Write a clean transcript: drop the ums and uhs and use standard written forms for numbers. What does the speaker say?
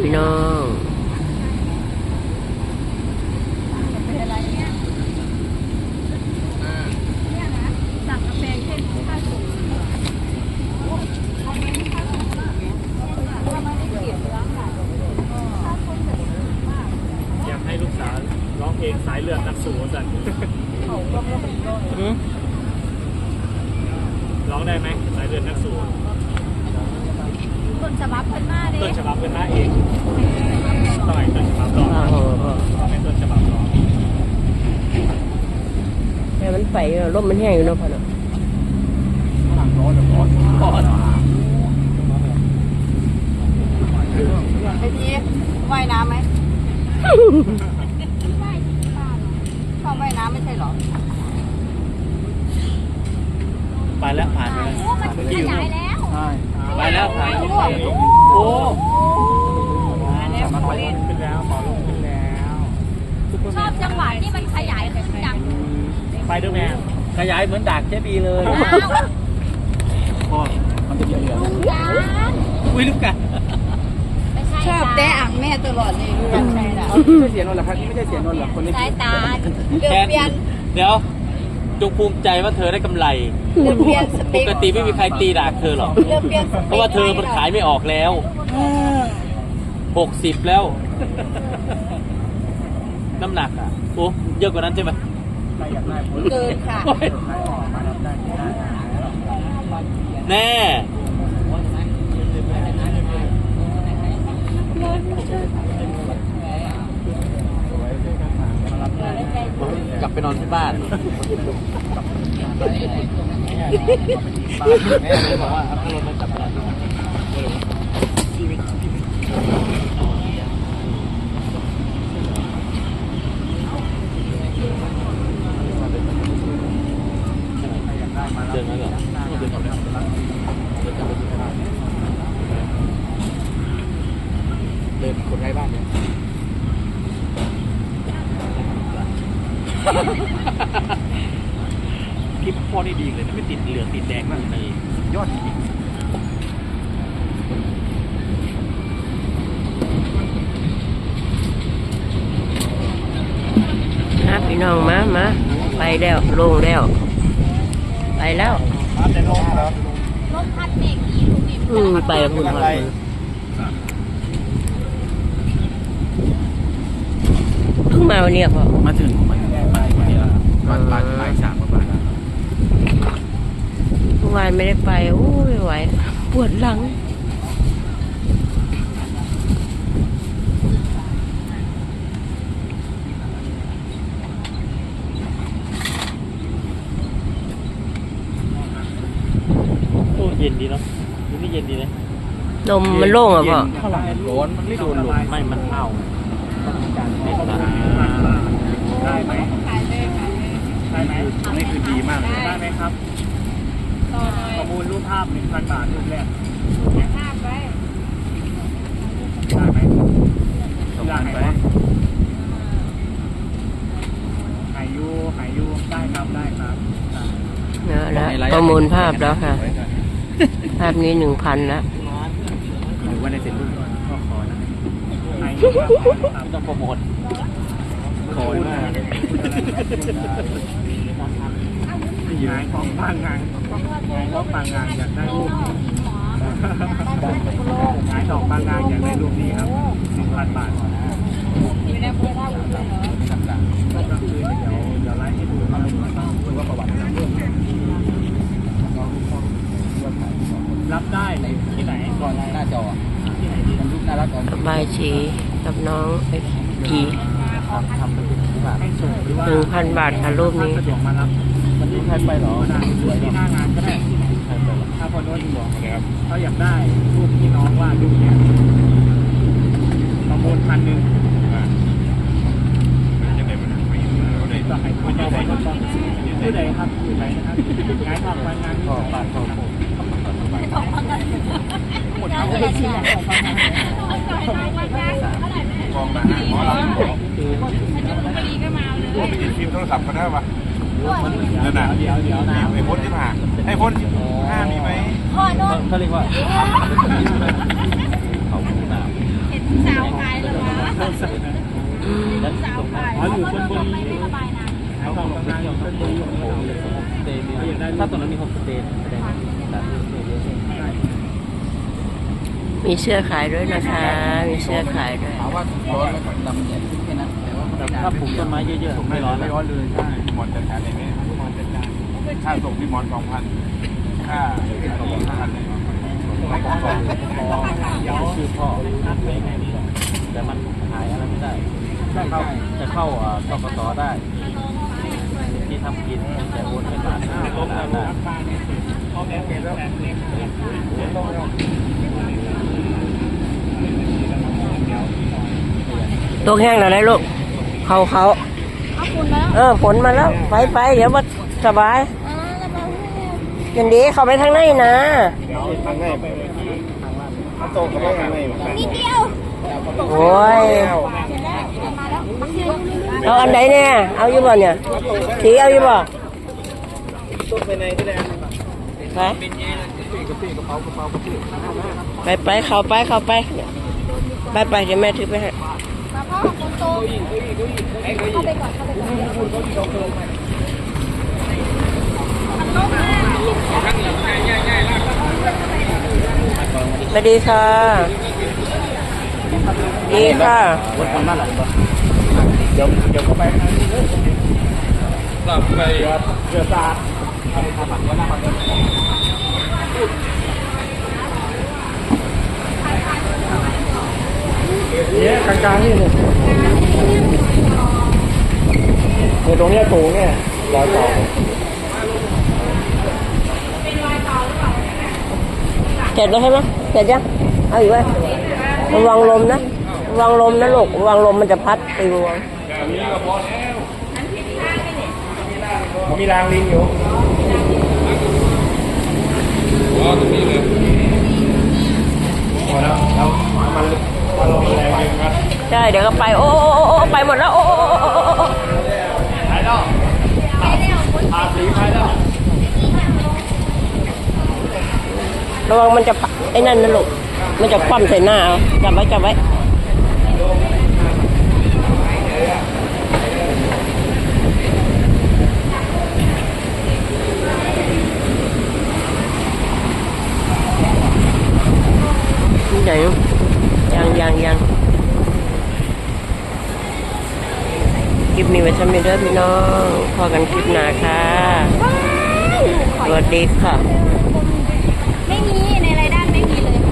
พี่น้องสั่งกาแฟเช่นค่าสูงอยากให้ลูกสาวร้องเพลงสายเลือดนักสู้สันร้องได้ไหมสายเลือดนักสู้ต้นฉบับเพิ่นมาเด้ต้นฉบับเป็นหน้าเองต่อยต้นฉบับร้องไม่ต้นฉบับร้องแต่มันไฟลมมันแห้งอยู่เนาะพ่อเนาะไอ้ทีว่ายน้ำไหมชอบว่ายน้ำไม่ใช่หรอไปแล้วผ่านไปแล้วมันขยายแล้วไปแล้วผ่านโอ้มาแล้วขอลงขึ้นแล้วขอลงขึ้นแล้วชอบจังหวะที่มันขยายขึ้นจังไปด้วยแม่ขยายเหมือนดากเจบีเลยพ่อมันจะเยอะลุงยานอุ้ยลูกกันชอบแตะอ่างแม่ตลอดเลยลุงใช่ละไม่เสียนนท์หรอครับนี่ไม่ใช่เสียนนท์หรอคนนี้สายตาเดือดเปลี่ยนเดี๋ยวจงภูมิใจว่าเธอได้กำไรปกติไม่มีใครตีด่าเธอหรอกเพราะว่าเธอมันขายไม่ออกแล้ว60แล้วน้ำหนักอ่ะโอ้เยอะกว่านั้นใช่ไหมเกินค่ะแน่กลับไปนอนที่บ้านแม่เลยบอกว่าเอารถมากลับบ้านเดินมาเหรอเดินกลับแล้วเดินคนไร้บ้านเนี่ยคลิปพ่อนี่ดีเลยนะไม่ติดเหลืองติดแดงมากเลยยอดจริงนะพี่น้องมาไปแล้วลงแล้วไปแล้วลมพัดเมฆดีลูกนี่ไปคุณพ่อเพิ่งมาวันนี้พ่อมาถึงวันนี้วันบ่าย3ประมาณเมื่อวานไม่ได้ไปโอ้ยไหวปวดหลังโอ้เย็นดีเนาะนี่เย็นดีเลยลมมันโล่งอ่ะพ่อร้อนมันไม่โดนลมไม่มันเอาได้ไหมได้ไหมนี่คือดีมากได้ไหมครับประมูลรูปภาพ 1,000 บาทรูปแรกภาพไว้ได้ไหมได้ไหมหายยูได้ครับได้ครับแล้วประมูลภาพแล้วค่ะภาพนี้ 1,000แล้วหรือว่าในเซ็นรูปก็ขอนะต้องโปรโมทขอมากหายของบางงานอยากได้รูปหายของบางงานอยากได้รูปนี้ครับ 1,000 บาทอยู่ในภูเขาเลยเหรอก็คือเดี๋ยวไลฟ์ให้ดูว่าประวัติรับได้ที่ไหนก่อนหน้าจอที่ไหนดีรูปน่ารักก่อนบายชีกับน้องไอ้กีทำเป็น1,000 บาทค่ะรูปนี้มารับวันนี้ใครไปหรอที่หน้างานก็ได้ถ้าพอโน้ตบอกนะครับเขาอยากได้รูปที่น้องวาดรูปเนี่ยประมูล1,000ผู้ใดครับผู้ใดนะครับงานทำงานต่อปากต่อผมหมดทั้งเลยชิ้นแหละกองมาหมอเราพอดีก็มาเลยว่าไปหยิบฟิล์มโทรศัพท์ก็ได้ปะนั่นน่ะเดี๋ยวไอ้พ้นที่ผ่าไอ้พ้น5มีไหมพ่อโน้ตเขาเรียกว่าเขาหน้าสาวขายเหรอวะสาวขายอ๋ออยู่ชลบุรีไม่สบายนะเขาบอกกำลังอยู่ชลบุรีถ้าตอนนั้นมีโฮมสเตย์มีเสื้อขายด้วยนะคะ มีเสื้อขายด้วยถามว่าร้อนแล้วดำเนี่ยแค่นั้นแต่ว่าถ้าปลูกต้นไม้เยอะๆไม่ร้อนไม่ร้อนเลยใช่หมอนจัดการเลยเนี่ยหมอนจัดการค่าส่งพี่หมอน2,000ค่าส่ง5,000เลยชื่อพ่อแต่มันขายอะไรไม่ได้จะเข้าทกสได้ที่ทำกินแต่โอนไม่ผ่านได้ตัวแห้งแล้วนะลูกเขาเอาคุณแล้วฝนมาแล้วไปเดี๋ยวมาสบายแล้วมาอย่างดีเข้าไปทางในนะเดี๋ยวทางแรกไปถ้าโตก็ไม่ทางในเหมือนกันนิดเดียวโอ้ยมาแล้วมาเที่ยวเอาอันไหนเนี่ยเอาอยู่บ่เนี่ยสีเอาอยู่บ่ต้นไปในที่แดงไปเข้าไปเดี๋ยวแม่ถือไปให้มาพ่อคนโตเข้าไปก่อนเข้าไปก่อนสวัสดีค่ะดีค่ะคนทำบ้านหลังก่อนเดี๋ยวก็ไปทางนี้เลยกลับไปเรือซาเนี่ยกลางๆนี่เนี่ยตรงเนี้ยสูงเนี่ยรอยต่อเสร็จแล้วใช่ไหมเสร็จยังเอาอยู่ไว้ระวังลมนะระวังลมนะลูกระวังลมมันจะพัดปลิวผมมีรางลิงอยู่พอแล้วมันลงแรงเองครับใช่เดี๋ยวก็ไปโอ้ไปหมดแล้วโอ้หายแล้วอาสีหายแล้วระวังมันจะไอ้นั่นนะลูกมันจะคว่ำใส่หน้าเอาจับไว้ไหนยังคลิปนี้ไว้ทำเด้อพี่น้องพอกันคลิปหน้าค่ะสวัสดีค่ะ